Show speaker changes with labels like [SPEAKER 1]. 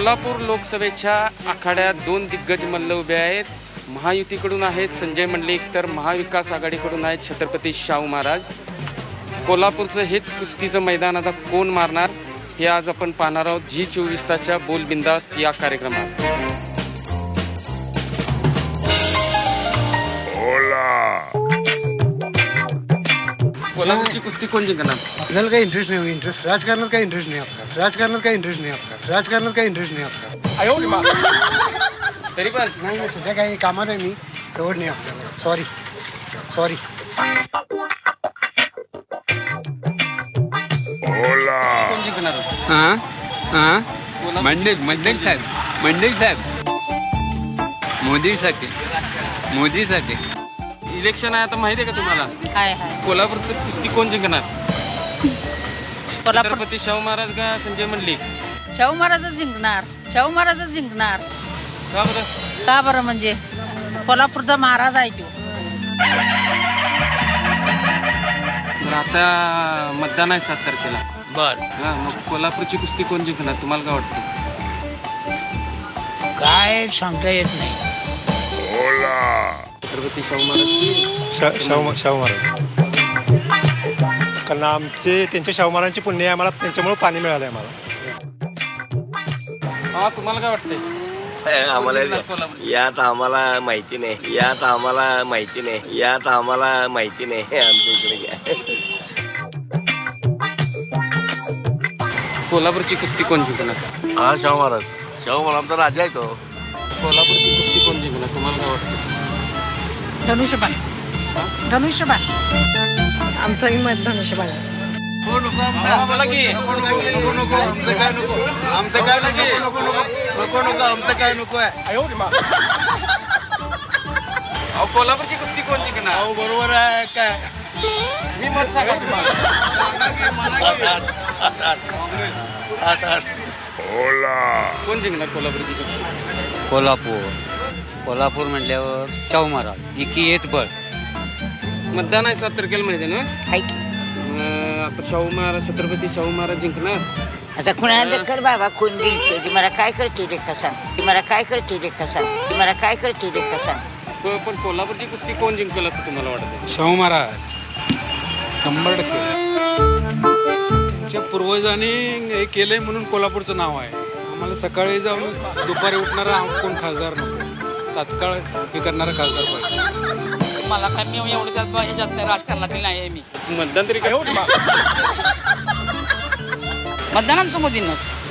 [SPEAKER 1] कोल्हापूर लोकसभेच्या आखाड्यात दोन दिग्गज मल्ल उभे आहेत. महायुतीकडून आहेत संजय मंडलिक, तर महाविकास आघाडीकडून आहेत छत्रपती शाहू महाराज. कोल्हापूरचं हेच कुस्तीचं मैदान आता कोण मारणार हे आज आपण पाहणार आहोत जी24 तासच्या बोल बिंदास्त या कार्यक्रमात. कोल्हापूरची कुस्ती कोण जिंकणार?
[SPEAKER 2] आपल्याला काही इंटरेस्ट नाही. राजकारणात काही इंटरेस्ट नाही आपला. राजकारणात काही इंटरेस्ट नाही आपला.
[SPEAKER 1] तरी पण
[SPEAKER 2] नाही सध्या काही कामात आहे. मी सवड नाही आपल्याला. सॉरी
[SPEAKER 1] कोण जिंकणार?
[SPEAKER 3] मंडलिक साहेब मोदीसाठी
[SPEAKER 1] इलेक्शन आहे आता, माहिती आहे का तुम्हाला?
[SPEAKER 4] हाय
[SPEAKER 1] कोल्हापूरचं कुस्ती कोण जिंकणार?
[SPEAKER 4] कोल्हापूर
[SPEAKER 1] छत्रपती शाहू महाराज का संजय मंडलिक?
[SPEAKER 4] शाहू महाराजच जिंकणार. का बरं म्हणजे कोल्हापूरचा महाराज आहे तो.
[SPEAKER 1] तर आता मतदान आहे 7 तारखेला. हा, मग कोल्हापूरची कुस्ती कोण जिंकणार तुम्हाला काय वाटतं?
[SPEAKER 5] काय सांगता येत नाही.
[SPEAKER 1] छत्रपती शाहू महाराज.
[SPEAKER 6] शाहू महाराज, कारण त्यांच्या शाहू महाराजांची पुण्य आहे. आम्हाला त्यांच्यामुळे पाणी मिळालं आहे आम्हाला.
[SPEAKER 1] हा, तुम्हाला काय वाटतंय?
[SPEAKER 7] आम्हाला यात आम्हाला माहिती नाही. आमच्या इकडे काय
[SPEAKER 1] कोल्हापूरची कुस्ती कोण जिंकणार?
[SPEAKER 7] हा, शाहू महाराज आमचा राजा आहे तो.
[SPEAKER 1] कोल्हापूरची कुस्ती कोण जिंकणार तुम्हाला काय वाटतं?
[SPEAKER 4] धनुष्यबाण
[SPEAKER 8] आमचंही मत धनुष्यबाण.
[SPEAKER 1] बोला की. अहो, कोल्हापूरची कुस्ती कोण जिंकणार?
[SPEAKER 7] बरोबर आहे काय.
[SPEAKER 1] मी मत सांगा तुम्हाला. कोण जिंकणार कोल्हापूरची कुस्ती?
[SPEAKER 3] कोल्हापूर म्हटल्यावर शाहू महाराज एकी हेच बळ.
[SPEAKER 1] मतदान आहे 7 तारखेला, माहिती आहे ना?
[SPEAKER 4] हाय की.
[SPEAKER 1] आता शाहू महाराज, छत्रपती शाहू महाराज जिंकणार.
[SPEAKER 4] आता कुणाला कर बाबा, कोण जिंकतो की मला काय करतो रे कसा,
[SPEAKER 1] पण कोल्हापूरची कुस्ती कोण जिंकल असं तुम्हाला वाटतं?
[SPEAKER 6] शाहू महाराज 100%. त्यांच्या पूर्वजांनी हे केलंय म्हणून कोल्हापूरचं नाव आहे. आम्हाला सकाळी जाऊन दुपारी उठणारा कोण खासदार नको, तात्काळ हे करणारा खासदार पाहिजे.
[SPEAKER 5] मला काय मी एवढं ह्याच्यात नाही, राजकारणातील नाही आहे मी.
[SPEAKER 1] मतदान तरी काय?
[SPEAKER 5] मतदान आमचं मोदींनाच.